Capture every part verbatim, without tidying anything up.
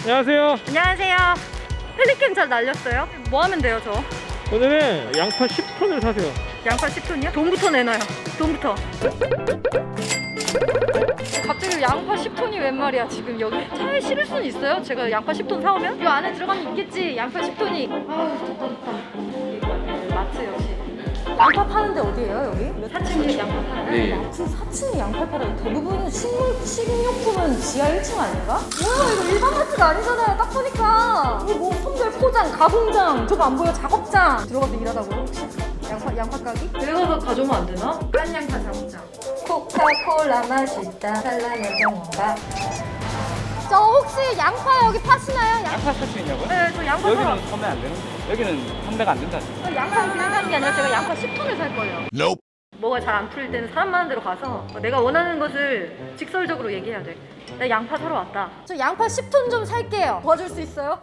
안녕하세요. 안녕하세요. 펠리캠 잘 날렸어요? 뭐 하면 돼요, 저? 오늘은 양파 십 톤을 사세요. 양파 십 톤이요? 돈부터 내놔요. 돈부터. 갑자기 양파 십 톤이 웬 말이야? 지금 여기 차에 실을 수는 있어요? 제가 양파 십 톤 사오면? 이 안에 들어가면 있겠지, 양파 십 톤이. 아우, 덥다, 덥다. 이거 마트 역시. 양파 파는데 어디예요, 여기? 사 층에 양파 파나요? 네. 마트 사 층에 양파 팔아요. 대부분 식물, 식료품은 지하 일 층 아닌가? 뭐야, 이거 일반 마트가 아니잖아요, 딱 보니까. 이거 뭐 선별 포장, 가공장, 저거 안 보여? 작업장. 들어가서 일하다고요, 혹시? 양파, 양파 가기? 내가 가져오면 안 되나? 깐 양파 작업장. 코카콜라 맛있다. 살라면 병원가. 저 혹시 양파 여기 파시나요? 양... 양파 살 수 있냐고요? 네, 저 양파 사러 여기는 판매 안 되는데. 여기는 판매가 안 된다. 저 양파 그냥 사는 게 아니라 제가 양파 십 톤을 살 거예요. Nope. 뭐가 잘 안 풀릴 때는 사람 많은 데로 가서 내가 원하는 것을 직설적으로 얘기해야 돼. 나 양파 사러 왔다. 저 양파 십 톤 좀 살게요. 도와줄 수 있어요?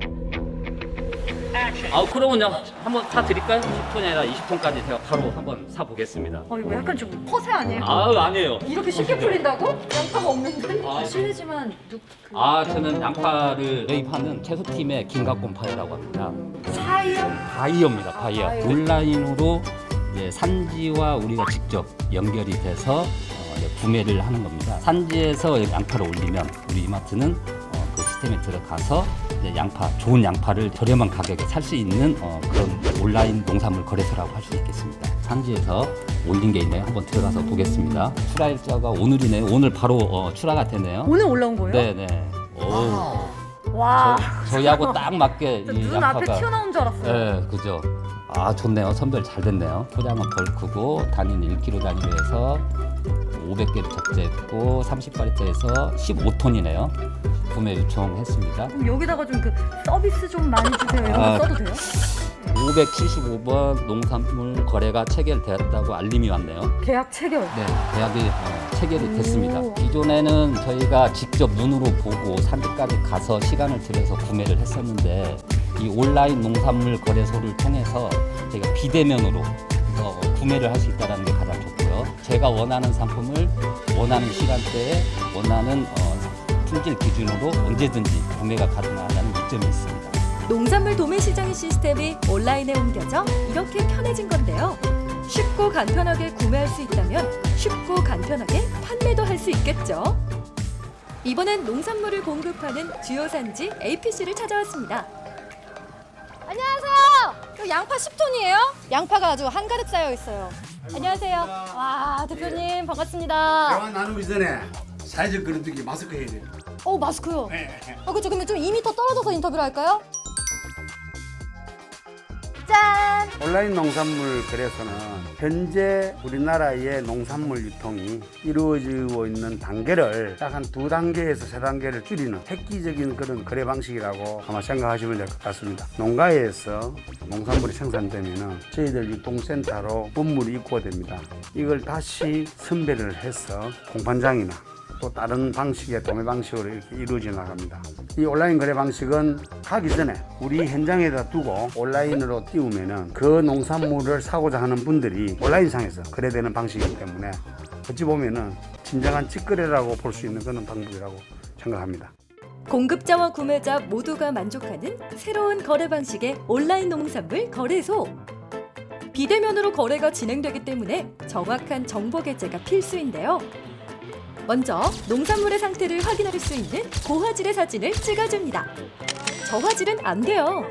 아, 그러면요. 한번 사 드릴까요? 십 톤이 아니라 이십 톤까지 제가 바로 한번 사 보겠습니다. 어, 이거 약간 좀 허세 아니에요? 아, 아니에요. 이렇게 쉽게 풀린다고? 양파가 없는데? 아, 실례지만 누, 그... 아, 저는 양파를 매입하는 채소팀의 김갑곰파이라고 합니다. 사이요? 바이어입니다. 바이어. 아, 바이어. 온라인으로 이제 산지와 우리가 직접 연결이 돼서 어, 이제 구매를 하는 겁니다. 산지에서 양파를 올리면 우리 이마트는 어, 그 시스템에 들어가서 이제 양파, 좋은 양파를 저렴한 가격에 살 수 있는 어, 그런 온라인 농산물 거래소라고 할 수 있겠습니다. 산지에서 올린 게 있네요. 한번 들어가서 보겠습니다. 출하 일자가 오늘이네요. 오늘 바로 어, 출하가 되네요. 오늘 올라온 거예요? 네네. 오. 와. 저, 저희하고 딱 맞게 이 눈 양파가. 앞에 튀어나온 줄 알았어요. 네, 그죠. 아, 좋네요. 선별 잘 됐네요. 포장은 벌크고 단위는 일 킬로그램 단위로 해서 오백 개를 적재했고 삼십 파리트에서 십오 톤이네요. 구매 요청했습니다. 그럼 여기다가 좀 그 서비스 좀 많이 주세요. 이런 거 아. 써도 돼요? 오백칠십오 번 농산물 거래가 체결되었다고 알림이 왔네요. 계약 체결. 네, 계약이 어, 체결이 오. 됐습니다. 기존에는 저희가 직접 눈으로 보고 산지까지 가서 시간을 들여서 구매를 했었는데 이 온라인 농산물 거래소를 통해서 저희가 비대면으로 어, 구매를 할 수 있다는 게 가장 좋고요. 제가 원하는 상품을 원하는 시간대에 원하는 어, 품질 기준으로 언제든지 구매가 가능하다는 이점이 있습니다. 농산물 도매 시장 시스템이 온라인에 옮겨져 이렇게 편해진 건데요. 쉽고 간편하게 구매할 수 있다면 쉽고 간편하게 판매도 할 수 있겠죠. 이번엔 농산물을 공급하는 주요 산지 에이피씨를 찾아왔습니다. 안녕하세요. 저 양파 십 톤이에요? 양파가 아주 한가득 쌓여 있어요. 안녕하세요. 와, 대표님 반갑습니다. 대화 나누기 전에 사회적 거리두기 마스크 해야 돼요. 어, 마스크요. 아, 그렇죠. 그러면 좀 이 미터 떨어져서 인터뷰를 할까요? 짠! 온라인 농산물 거래소는 현재 우리나라의 농산물 유통이 이루어지고 있는 단계를 딱 한 두 단계에서 세 단계를 줄이는 획기적인 그런 거래 방식이라고 아마 생각하시면 될 것 같습니다. 농가에서 농산물이 생산되면 저희들 유통센터로 분물이 입고됩니다. 이걸 다시 선별을 해서 공판장이나 또 다른 방식의 도매 방식으로 이렇게 이루어져 나갑니다. 이 온라인 거래 방식은 가기 전에 우리 현장에다 두고 온라인으로 띄우면은 그 농산물을 사고자 하는 분들이 온라인상에서 거래되는 방식이기 때문에 어찌 보면은 진정한 직거래라고 볼 수 있는 그런 방법이라고 생각합니다. 공급자와 구매자 모두가 만족하는 새로운 거래 방식의 온라인 농산물 거래소. 비대면으로 거래가 진행되기 때문에 정확한 정보 게재가 필수인데요. 먼저 농산물의 상태를 확인할 수 있는 고화질의 사진을 찍어줍니다. 저화질은 안 돼요.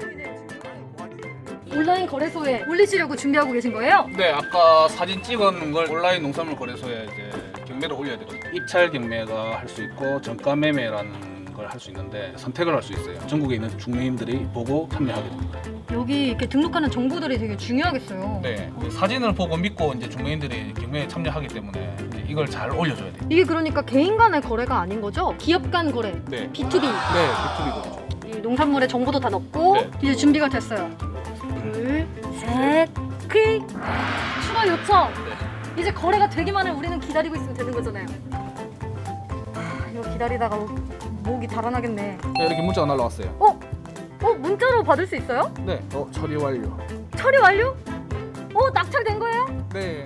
온라인 거래소에 올리시려고 준비하고 계신 거예요? 네, 아까 사진 찍어놓은 걸 온라인 농산물 거래소에 이제 경매를 올려야 되거든요. 입찰 경매가 할 수 있고 정가 매매라는 걸 할 수 있는데 선택을 할 수 있어요. 전국에 있는 중매인들이 보고 참여하게 됩니다. 여기 이렇게 등록하는 정보들이 되게 중요하겠어요. 네, 그 사진을 보고 믿고 이제 중매인들이 경매에 참여하기 때문에 이제 이걸 잘 올려줘야 돼요. 이게 그러니까 개인 간의 거래가 아닌 거죠? 기업 간 거래. 네, 비투비. 네, 유튜브거든요. 이 농산물의 정보도 다 넣고 네. 이제 준비가 됐어요. 둘, 셋, 클릭. 추가 요청. 네. 이제 거래가 되기만 해 우리는 기다리고 있으면 되는 거잖아요. 하, 이거 기다리다가 목이 달아나겠네. 네, 이렇게 문자가 날라왔어요. 어? 어? 문자로 받을 수 있어요? 네, 어, 처리 완료. 처리 완료? 어? 낙찰된 거예요? 네.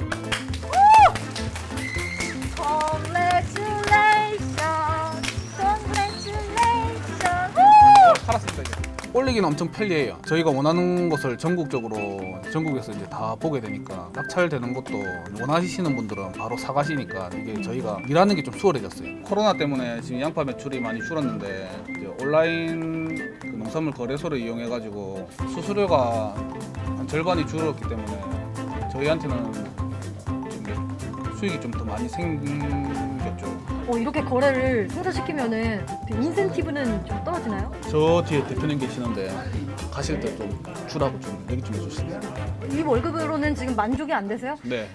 Congratulations, congratulations. 올리기는 엄청 편리해요. 저희가 원하는 것을 전국적으로 전국에서 이제 다 보게 되니까 낙찰되는 것도 원하시는 분들은 바로 사가시니까 이게 저희가 일하는 게 좀 수월해졌어요. 코로나 때문에 지금 양파 매출이 많이 줄었는데 이제 온라인 그 농산물 거래소를 이용해 가지고 수수료가 한 절반이 줄었기 때문에 저희한테는 좀 수익이 좀 더 많이 생겼죠. 어, 이렇게 거래를 성사시키면은 그 인센티브는 좀 떨어지나요? 저 뒤에 대표님 계시는데 가실 때 좀 주라고 좀 얘기 좀 해주시면. 이 월급으로는 지금 만족이 안 되세요? 네.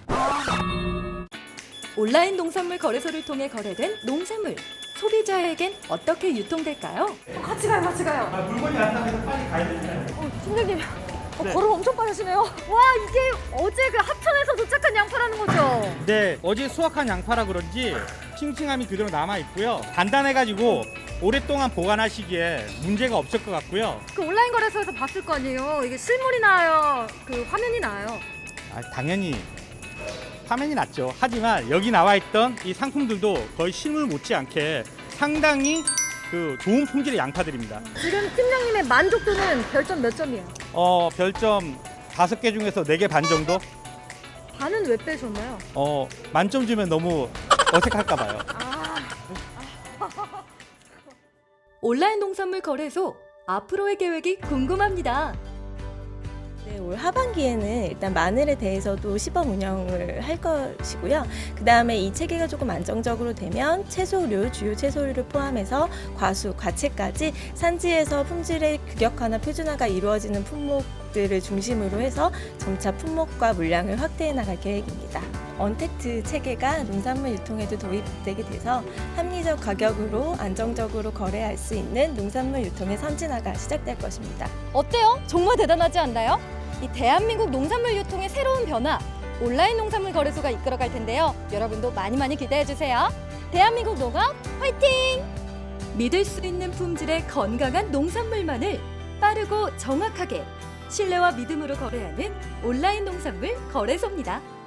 온라인 농산물 거래소를 통해 거래된 농산물. 소비자에겐 어떻게 유통될까요? 어, 같이 가요, 같이 가요. 아, 물건이 왔다면서 빨리 가야 되잖아요. 어, 팀장님. 어, 걸음 엄청 빠르시네요. 와, 이게 어제 그 하천에서 도착한 양파라는 거죠? 네, 어제 수확한 양파라 그런지 싱싱함이 그대로 남아 있고요. 단단해가지고 오랫동안 보관하시기에 문제가 없을 것 같고요. 그 온라인 거래소에서 봤을 거 아니에요? 이게 실물이 나요? 그 화면이 나요? 아, 당연히 화면이 낫죠. 하지만 여기 나와 있던 이 상품들도 거의 실물 못지않게 상당히 그 좋은 품질의 양파들입니다. 지금 팀장님의 만족도는 별점 몇 점이에요? 어, 별점 다섯 개 중에서 네 개 반 정도? 반은 왜 빼셨나요? 어, 만점 주면 너무 어색할까 봐요. 온라인 농산물 거래소 앞으로의 계획이 궁금합니다. 네, 올 하반기에는 일단 마늘에 대해서도 시범 운영을 할 것이고요. 그 다음에 이 체계가 조금 안정적으로 되면 채소류, 주요 채소류를 포함해서 과수, 과채까지 산지에서 품질의 규격화나 표준화가 이루어지는 품목들을 중심으로 해서 점차 품목과 물량을 확대해 나갈 계획입니다. 언택트 체계가 농산물 유통에도 도입되게 돼서 합리적 가격으로 안정적으로 거래할 수 있는 농산물 유통의 선진화가 시작될 것입니다. 어때요? 정말 대단하지 않나요? 이 대한민국 농산물 유통의 새로운 변화, 온라인 농산물 거래소가 이끌어갈 텐데요. 여러분도 많이 많이 기대해주세요. 대한민국 농업 화이팅! 믿을 수 있는 품질의 건강한 농산물만을 빠르고 정확하게 신뢰와 믿음으로 거래하는 온라인 농산물 거래소입니다.